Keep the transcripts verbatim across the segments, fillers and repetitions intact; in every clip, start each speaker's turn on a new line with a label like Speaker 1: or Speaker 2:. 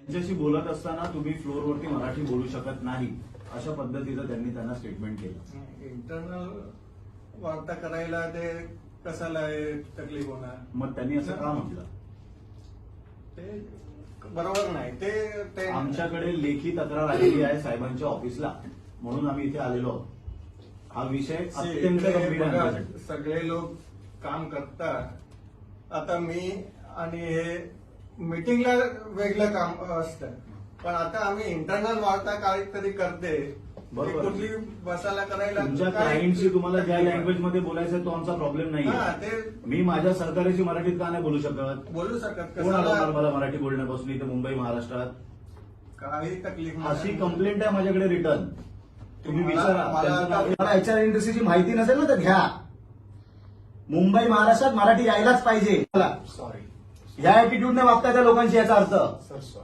Speaker 1: त्यांच्याशी बोलत असताना तुम्ही फ्लोअरवरती मराठी बोलू शकत नाही अशा पद्धतीचं त्यांनी त्यांना स्टेटमेंट केलं.
Speaker 2: इंटरनल वार्ता करायला ते कशाला तकलीफ होणार.
Speaker 1: मग त्यांनी असं का म्हटलं?
Speaker 2: ते बरोबर नाही. ते ते
Speaker 1: आमच्याकडे लेखी तक्रार आलेली आहे साहेबांच्या ऑफिसला, म्हणून आम्ही इथे आलेलो आहोत. हा विषय अत्यंत
Speaker 2: ते
Speaker 1: गंभीर आहे
Speaker 2: बघा,
Speaker 1: आमच्यासाठी.
Speaker 2: सगळे लोक काम करतात. आता मी आणि हे मीटिंगला वेगळं काम असतं, पण आता आम्ही इंटरनल वार्ता काहीतरी करते.
Speaker 1: बरोबर.
Speaker 2: ती कुठली बसायला करायला
Speaker 1: तुमच्या
Speaker 2: काय-
Speaker 1: क्लायंटशी तुम्हाला ज्या लँग्वेज मध्ये बोलायचं तो आमचा प्रॉब्लेम
Speaker 2: हा,
Speaker 1: नाही.
Speaker 2: ते
Speaker 1: मी माझ्या सहकार्याशी मराठीत का नाही बोलू शकत?
Speaker 2: बोलू शकत.
Speaker 1: कोण आलं
Speaker 2: कशाला
Speaker 1: मला मराठी बोलण्यापासून इथे मुंबई महाराष्ट्रात?
Speaker 2: काही तकलीफ नाही.
Speaker 1: अशी कंप्लेंट आहे माझ्याकडे रिटर्न. तुम्ही
Speaker 2: मला-
Speaker 1: विचारा.
Speaker 2: मला
Speaker 1: त्यांचं नाव-
Speaker 2: आता-
Speaker 3: मला एचआर इंडस्ट्रीची माहिती नसेल ना तर घ्या. मुंबई महाराष्ट्रात मराठी यायलाच पाहिजे. चला.
Speaker 2: सॉरी
Speaker 3: या ऍटिट्यूडने वागताय त्या लोकांची याचा अर्थ.
Speaker 2: Sir, sorry.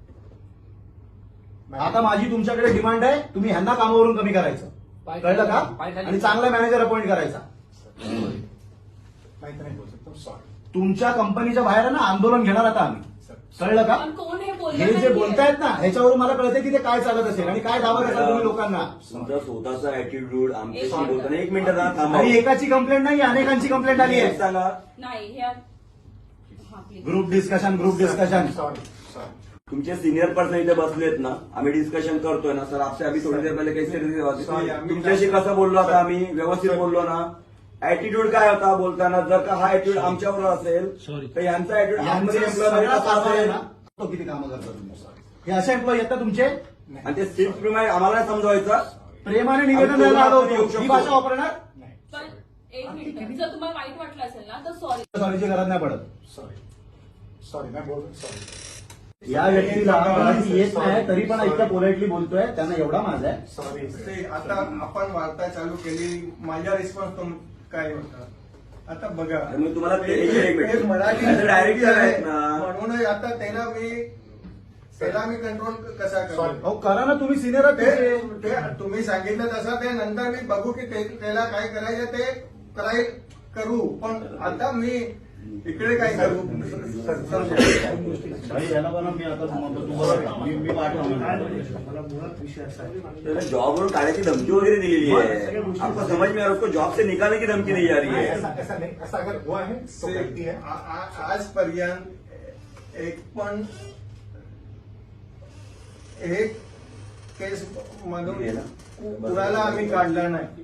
Speaker 3: आता माझी तुमच्याकडे डिमांड आहे, तुम्ही ह्यांना कामावरून कमी करायचं. कळलं का? आणि चांगला मॅनेजर अपॉइंट करायचा.
Speaker 2: माहिती नाही बोलू शकतो. सॉरी.
Speaker 3: तुमच्या कंपनीच्या बाहेर आहे ना आंदोलन घेणार आता आम्ही. कळलं का?
Speaker 4: पण कोण हे बोललं
Speaker 3: हे जे
Speaker 4: नाहीये.
Speaker 3: बोलतायत ना ह्याच्यावरून मला कळतं की ते काय चालत असेल आणि काय दावा करतात तुम्ही लोकांना.
Speaker 5: तुमचा स्वतःचा ऍटिट्यूड आमच्याशी
Speaker 4: एक
Speaker 5: बोलताना एक मिनिट ना थांबा.
Speaker 3: आणि एकाची कंप्लेंट नाही अनेकांची कंप्लेंट आली
Speaker 5: एक
Speaker 3: आहे.
Speaker 5: सांगा.
Speaker 4: नाही हे हा, please.
Speaker 3: Group discussion group discussion
Speaker 2: sorry sorry.
Speaker 5: तुमचे सिनियर पर्सन इथे बसलेत ना, आम्ही डिस्कशन करतोय ना सर. आपसे अभी थोडी देर पहिले काही
Speaker 2: Sorry,
Speaker 5: तरी
Speaker 2: आम्ही-
Speaker 5: तुमच्याशी कसं बोललो आता आम्ही? व्यवस्थित बोललो ना. ऍटिट्यूड काय होता बोलताना? जर का हा ऍटिट्यूड आमच्यावर असेल तर यांचा ऍटिट्यूड
Speaker 3: यांचे
Speaker 5: एम्प्लॉय
Speaker 3: सगळा
Speaker 5: कसा
Speaker 3: कारभार आहे
Speaker 5: असेल?
Speaker 3: ना, तो किती कामं करता तुम्ही. हे असे एम्प्लॉई आहेत ना तुमचे.
Speaker 5: आणि ते सिल्क प्रमाणे आम्हाला नाही समजवायचं.
Speaker 3: प्रेमाने निवेदन द्यायला आलो होतो. ही भाषा वापरणार.
Speaker 4: पण एक मिनिट, जर तुम्हाला वाईट वाटलं असेल ना तर सॉरी.
Speaker 3: सॉरीची गरज नाही पडत.
Speaker 2: सॉरी सॉरी नाही बोलू. सॉरी
Speaker 3: या व्यक्तीला मराठी येत नाही तरी पण इतक्या पोलाइटली बोलतोय, त्यांना एवढा माझा आहे.
Speaker 2: सॉरी. ते आता आपण वार्ता चालू केली. माझा रिस्पॉन्स तुम काय होता आता बघा.
Speaker 5: आणि मग तुम्हाला ते-
Speaker 2: एक-
Speaker 5: एक मिनिट.
Speaker 2: एक मराठी
Speaker 5: As a director आहेत ना.
Speaker 2: म्हणून आता त्याला मी त्याला मी कंट्रोल कसा करू.
Speaker 3: अहो करा ना, तुम्ही सिनियर
Speaker 2: ते ते तुम्ही सांगितलं तसं ते नंतर मी बघू की ते- त्याला काय करायचं ते कराय करू. पण आता मी इकडे काय करू.
Speaker 1: भाई याला पण मी आता तुम्हाला- तुम्हाला मी मी पाठवणार.
Speaker 5: त्याला जॉबवरून काढायची धमकी वगैरे दिलेली आहे. आपको समझ में आ रहा है? उसको जॉब से निकालने की धमकी दी जा रही है.
Speaker 6: ऐसा नहीं, ऐसा अगर हुआ है तो गलती है.
Speaker 2: आ- आ- आजपर्यंत एक पण एक केस मधून कुणाला आम्ही काढला नाही.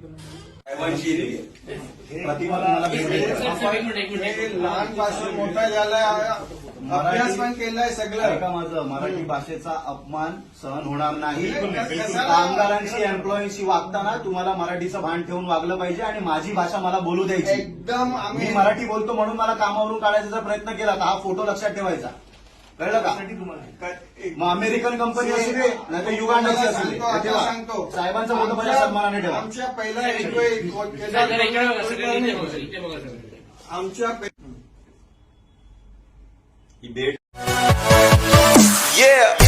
Speaker 3: प्रतिमा तुम्हाला भेटेल.
Speaker 2: हे लहानपासून मोठा झालाय, अभ्यास पण केलाय
Speaker 3: ऐका
Speaker 2: सगळं.
Speaker 3: माझं, मराठी भाषेचा अपमान सहन होणार नाही.
Speaker 2: कशाला-
Speaker 3: कामगारांशी एम्प्लॉईशी वागताना तुम्हाला मराठीचं भान ठेवून वागलं पाहिजे आणि माझी भाषा मला बोलू द्यायची.
Speaker 2: एकदम
Speaker 3: मी
Speaker 2: आम्ही
Speaker 3: मराठी बोलतो म्हणून मला कामावरून काढायचा जर प्रयत्न केला तर हा फोटो लक्षात ठेवायचा. कळलं का? मग अमेरिकन कंपनी असू दे नाही तर युगांडाची असू दे,
Speaker 2: सांगतो, आता
Speaker 3: ठेवा.
Speaker 2: सांगतो.
Speaker 3: साहेबांचा फोटो माझ्या सन्मानाने ठेवा.
Speaker 2: आमच्या पहिला आमच्या
Speaker 5: ही भेट
Speaker 7: Yeah.